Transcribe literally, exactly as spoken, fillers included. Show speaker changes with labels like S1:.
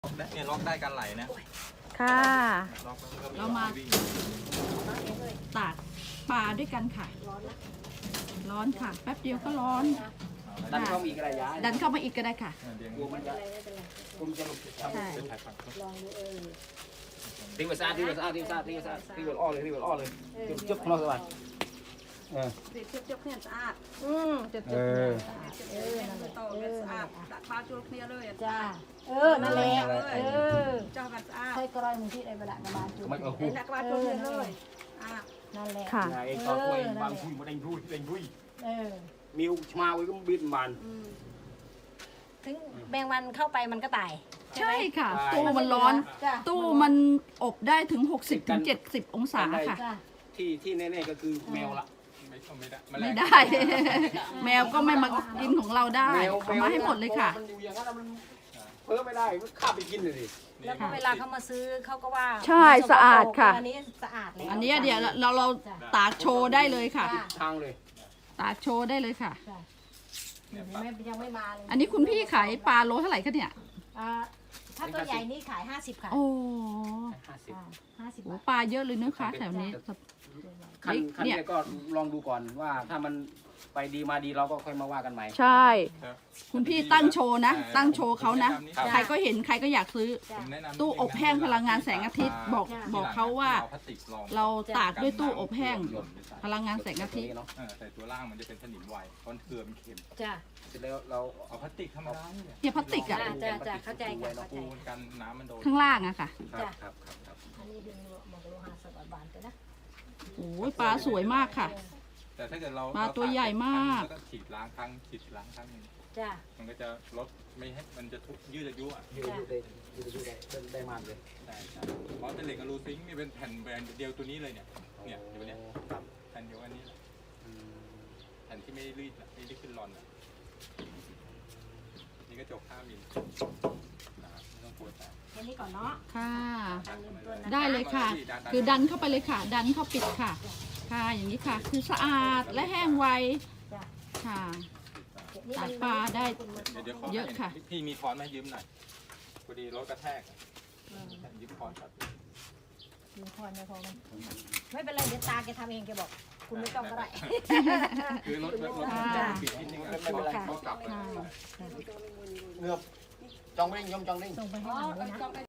S1: เนี่ยล็อกได้การไหลนะ
S2: ค่ะ
S1: ล็อกแล้วก็
S3: เรามาตากปลาด้วยกันค่ะ ร้อนนะร้อนค่ะ แป๊บเดียวก็ร้อน
S4: ดันเข้ามาอีกก็ได้ย้าย
S3: ดันเข้ามาอีกก็ได้ค่ะ
S4: กลัวมันจะกลัวมันจะหลุด
S3: ใช่
S5: ลองดูเออ
S4: ทิ้งไปซะทิ้งไปซะทิ้งไปซะทิ้งไปซะทิ้งไปอ้อเลยทิ้งไปอ้อเลยจุ๊บจุ๊บของเราสบายเออ
S5: เจ็บเจ็บเนี่ยสะอาด
S2: อืมจะ
S4: เออ
S5: เออนั่นแหละต่อกันสะอาดดักปลาจุลเนียเลย
S2: จ้าเออนั่นแหละเออ
S5: เจ้ากันสะอาด
S2: ใช่กรอยมึงที่ไอ้เวลากระบาลจุด
S4: มันเออ
S5: เอ็นดักปลาจุลเนียเลยอ่า
S2: นั่นแหละ
S3: ค่ะ
S4: ไอ้ตอนคุยบางคุยมาได้รุ่ยได้รุ่ย
S2: เออ
S4: มิวมาไว้ก็บินมัน
S2: ถึงแมงวันเข้าไปมันก็ตาย
S3: ใช่ค่ะ ตู้มันร้อน
S2: จ้า
S3: ตู้มันอบได้ถึง หกสิบถึงเจ็ดสิบ องศาค่ะ
S2: จ้า
S4: ที่ที่แน่ๆก็คือแมวละ
S1: ไม่ไม่ได้
S3: ไม่ได้ แมวก็ไม่มากินของเราได้เอามาให้หมดเลยค่ะ
S4: มันอยู่อย่างนั้นมันเพิ่มไม่ได้มันข้าไปกินเลยดิ
S2: แล้วก็เวลาเขามาซื้อเขาก็ว่า
S3: ใช่สะอาดค่ะ
S2: อันนี้สะอาดเลย
S3: อันนี้เดี๋ยวเราเราตากโชว์ได้เลยค่ะ
S4: ทางเลย
S3: ตากโชว์ได้เลยค่ะ
S2: ไม่ยังไม่มาเลย
S3: อันนี้คุณพี่ขายปลาโลเท่าไหร่คะเนี่ย
S2: อ่าถ้าตัวใหญ่นี่ขายห้าสิบค่ะ
S3: โอ้
S4: ห้าสิบ
S2: ห้าสิบ
S3: โห
S2: บาท
S3: ปลาเยอะเลยนะคะแถวนี้
S4: ขั้นขั้นนี้ก็ลองดูก่อนว่าถ้ามันไปดีมาดีเราก็ค่อยมาว่ากันใหม่
S3: ใช่ คุณพี่ตั้งโชว์นะ ตั้งโชว์เขานะ ใครก็เห็นใครก็อยากซื้อ ตู้อบแห้งพลังงานแสงอาทิตย์บอกบอกเขาว่าเราตากด้วยตู้อบแห้งพลังงานแสงอาทิตย์
S1: แต่ตัวล่างมันจะเป็นสนิมไวเพราะเกลือมันเค็ม
S2: จ้า
S4: เสร็จแล้วเรา
S1: เอาพลาสติกธรรมดาเนี่ย
S3: เนี่ยพลาสติกอะ
S2: จ้าจ้าเข้าใจค่ะเข้าใจ
S1: ปูนกันน้ำมันโดน
S3: ข้างล่างอะค่ะ
S4: ครับครับครับครับ
S2: อันนี้ดึงหมกโลหะสวัสดิ์บานกันนะ
S3: โอ้ยปลาสวยมากค่ะ
S1: แต่ถ้าเกิดเรา
S3: ปลาตัวใหญ่มาก
S1: แล้วก็ฉีดล้างครั้งฉีดล้างครั้งนึง
S2: จ้า
S1: มันก็จะลดไม่ให้มันจะทุยืดอายุอ่ะ
S4: ยืดยืดได้ยืดยืดได้ได้ได้มากเลย
S1: ใช่ใช่เพราะเป็นเหล็กอะลูซิงค์นี่เป็นแผ่นแบรนด์เดียวตัวนี้เลยเนี่ยเนี่ยอยู่เนี่ย
S4: ครับ
S1: แผ่นเดียวอันนี้แผ่นที่ไม่รีดไม่รีดขึ้นรอนอ่ะนี่ก็จบห้ามิลนะครับไม่ต้องกลัวแต่
S2: แค่นี้ก่อนเนาะ
S3: ค่ะ
S2: อันนี้ต้นนะ
S3: ได้เลยค่ะ คือดันเข้าไปเลยค่ะ ดันเข้าปิดค่ะ ค่ะอย่างนี้ค่ะ คือสะอาดและแห้งไวค่ะตากปลาได้
S1: เดี๋ยวเดี๋ยวขอ
S3: เยอะค่ะ
S1: พี่มีค้อนไหมยืมหน่อยพอดีรถกระแทกอะยืมค้อนครับ
S2: มีคอนนะพอมันไม่เป็นไรเดี๋ยวตาแกทำเองแกบอก คุณไม่ต้องก็ได้
S1: คือรถรถรถปิดนิดนึงไม่เป็นไรเขากลับ
S3: ค่ะ
S4: เงือบจองเร่งยมจองเร่ง
S2: ส่งไปให้หนูด้วยนะ